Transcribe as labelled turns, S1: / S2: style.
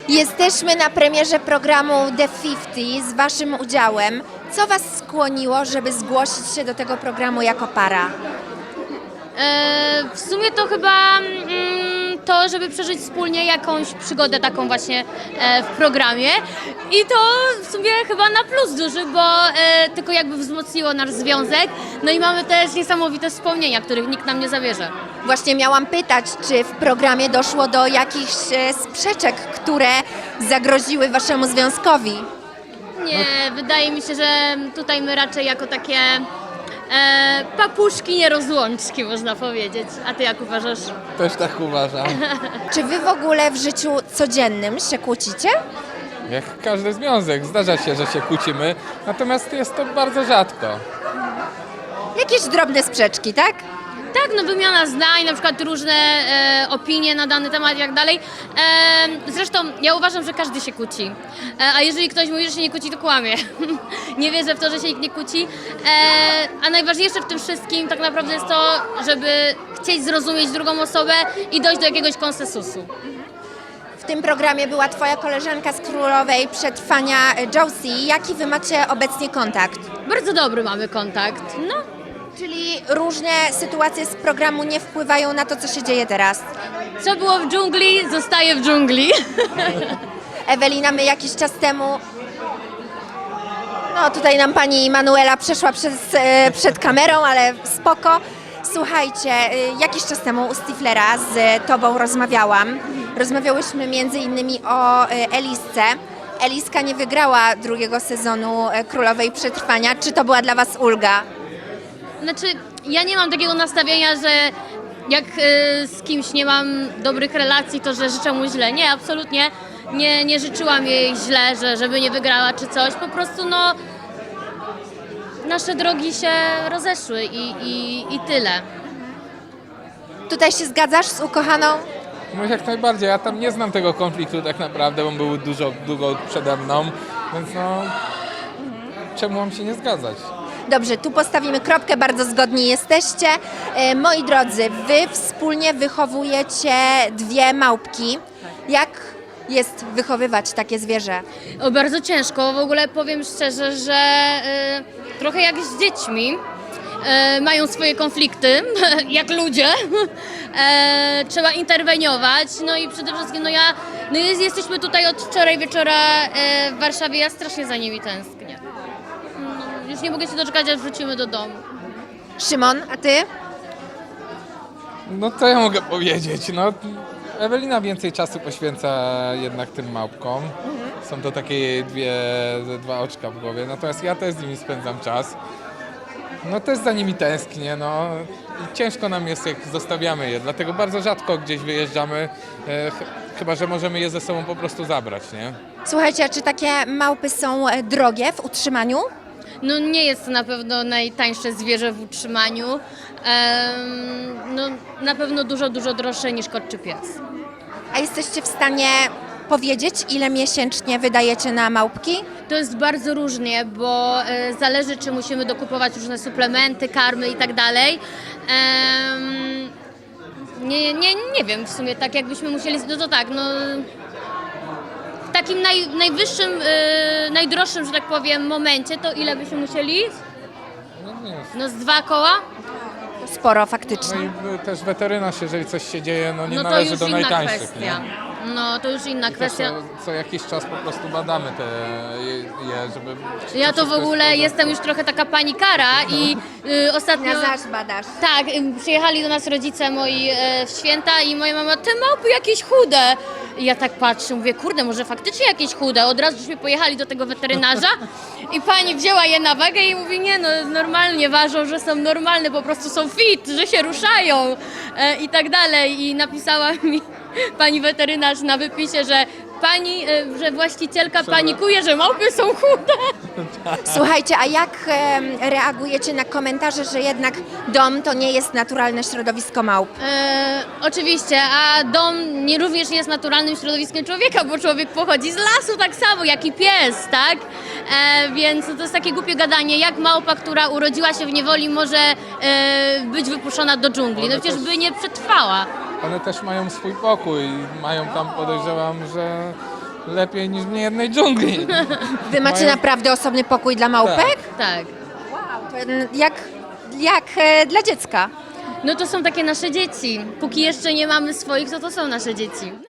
S1: Jesteśmy na premierze programu The 50 z Waszym udziałem. Co Was skłoniło, żeby zgłosić się do tego programu jako para?
S2: W sumie to chyba to, żeby przeżyć wspólnie jakąś przygodę taką właśnie w programie i to w sumie chyba na plus duży, bo tylko jakby wzmocniło nasz związek, no i mamy też niesamowite wspomnienia, których nikt nam nie zabierze.
S1: Właśnie miałam pytać, czy w programie doszło do jakichś sprzeczek, które zagroziły Waszemu związkowi?
S2: Nie, wydaje mi się, że tutaj my raczej jako takie papuszki nierozłączki, można powiedzieć. A ty jak uważasz?
S3: Też tak uważam.
S1: Czy Wy w ogóle w życiu codziennym się kłócicie?
S3: Jak każdy związek, zdarza się, że się kłócimy, natomiast jest to bardzo rzadko.
S1: Jakieś drobne sprzeczki, tak?
S2: Tak, no wymiana zdań, na przykład różne opinie na dany temat i tak dalej. Zresztą ja uważam, że każdy się kłóci. A jeżeli ktoś mówi, że się nie kłóci, to kłamie. Nie wierzę w to, że się nikt nie kłóci. A najważniejsze w tym wszystkim tak naprawdę jest to, żeby chcieć zrozumieć drugą osobę i dojść do jakiegoś konsensusu.
S1: W tym programie była Twoja koleżanka z Królowej Przetrwania, Josie. Jaki Wy macie obecnie kontakt?
S2: Bardzo dobry mamy kontakt. No,
S1: Czyli różne sytuacje z programu nie wpływają na to, co się dzieje teraz.
S2: co było w dżungli, zostaje w dżungli.
S1: Ewelina, my jakiś czas temu... No tutaj nam pani Manuela przeszła przed kamerą, ale spoko. Słuchajcie, jakiś czas temu u Stiflera z Tobą rozmawiałam. Rozmawiałyśmy między innymi o Elisce. Eliska nie wygrała drugiego sezonu Królowej Przetrwania. Czy to była dla Was ulga?
S2: Znaczy, ja nie mam takiego nastawienia, że jak z kimś nie mam dobrych relacji, to że życzę mu źle. Nie, absolutnie nie życzyłam jej źle, żeby nie wygrała czy coś. Po prostu no, nasze drogi się rozeszły i tyle.
S1: Tutaj się zgadzasz z ukochaną?
S3: No jak najbardziej, ja tam nie znam tego konfliktu tak naprawdę, bo on był długo przede mną, więc no czemu mam się nie zgadzać?
S1: Dobrze, tu postawimy kropkę, bardzo zgodni jesteście. Moi drodzy, Wy wspólnie wychowujecie dwie małpki. Jak jest wychowywać takie zwierzę?
S2: O, bardzo ciężko. W ogóle powiem szczerze, że trochę jak z dziećmi. Mają swoje konflikty, jak ludzie. Trzeba interweniować. No i przede wszystkim jesteśmy tutaj od wczoraj wieczora w Warszawie. Ja strasznie za nimi tęsknię. No, już nie mogę się doczekać, aż wrócimy do domu.
S1: Szymon, a Ty?
S3: No co ja mogę powiedzieć? No, Ewelina więcej czasu poświęca jednak tym małpkom. Są to takie dwa oczka w głowie, natomiast ja też z nimi spędzam czas. No też za nimi tęsknię, no i ciężko nam jest, jak zostawiamy je, dlatego bardzo rzadko gdzieś wyjeżdżamy, chyba że możemy je ze sobą po prostu zabrać, nie?
S1: Słuchajcie, a czy takie małpy są drogie w utrzymaniu?
S2: No nie jest to na pewno najtańsze zwierzę w utrzymaniu. No na pewno dużo droższe niż kot czy pies.
S1: A jesteście w stanie powiedzieć, ile miesięcznie wydajecie na małpki?
S2: To jest bardzo różnie, bo zależy, czy musimy dokupować różne suplementy, karmy i tak dalej. Nie wiem w sumie, tak jakbyśmy musieli, no to tak, no w takim najwyższym, najdroższym, że tak powiem, momencie, to ile byśmy musieli?
S3: No, nie jest.
S2: No z 2 koła?
S1: Sporo
S3: No
S1: faktycznie.
S3: i też weterynarz, jeżeli coś się dzieje, no nie
S2: No to
S3: należy
S2: już
S3: do
S2: inna
S3: najtańszych,
S2: kwestia.
S3: nie?
S2: No to już inna
S3: I też
S2: kwestia.
S3: co jakiś czas po prostu badamy je, żeby... czy
S2: Ja to w
S3: wszystko jest
S2: ogóle
S3: porządku.
S2: jestem już trochę taka panikara i ostatnio...
S1: badasz.
S2: Tak, przyjechali do nas rodzice moi w święta i moja mama, te małpy jakieś chude. I ja tak patrzę, mówię, kurde, może faktycznie jakieś chude. Od razu żeśmy pojechali do tego weterynarza i pani wzięła je na wagę i mówi, nie no, normalnie ważą, że są normalne, po prostu są fit, że się ruszają i tak dalej. I napisała mi pani weterynarz na wypisie, że że właścicielka panikuje, że małpy są chude.
S1: Słuchajcie, a jak reagujecie na komentarze, że jednak dom to nie jest naturalne środowisko małp?
S2: Oczywiście, a dom również nie jest naturalnym środowiskiem człowieka, bo człowiek pochodzi z lasu tak samo, jak i pies, tak? Więc to jest takie głupie gadanie, jak małpa, która urodziła się w niewoli, może być wypuszczona do dżungli. No przecież by nie przetrwała.
S3: One też mają swój pokój, mają tam, podejrzewam, że lepiej niż w niejednej dżungli.
S1: Wy macie
S3: Mają-
S1: naprawdę osobny pokój dla małpek?
S2: Tak.
S1: Wow, to jak dla dziecka.
S2: No to są takie nasze dzieci. Póki jeszcze nie mamy swoich, to są nasze dzieci.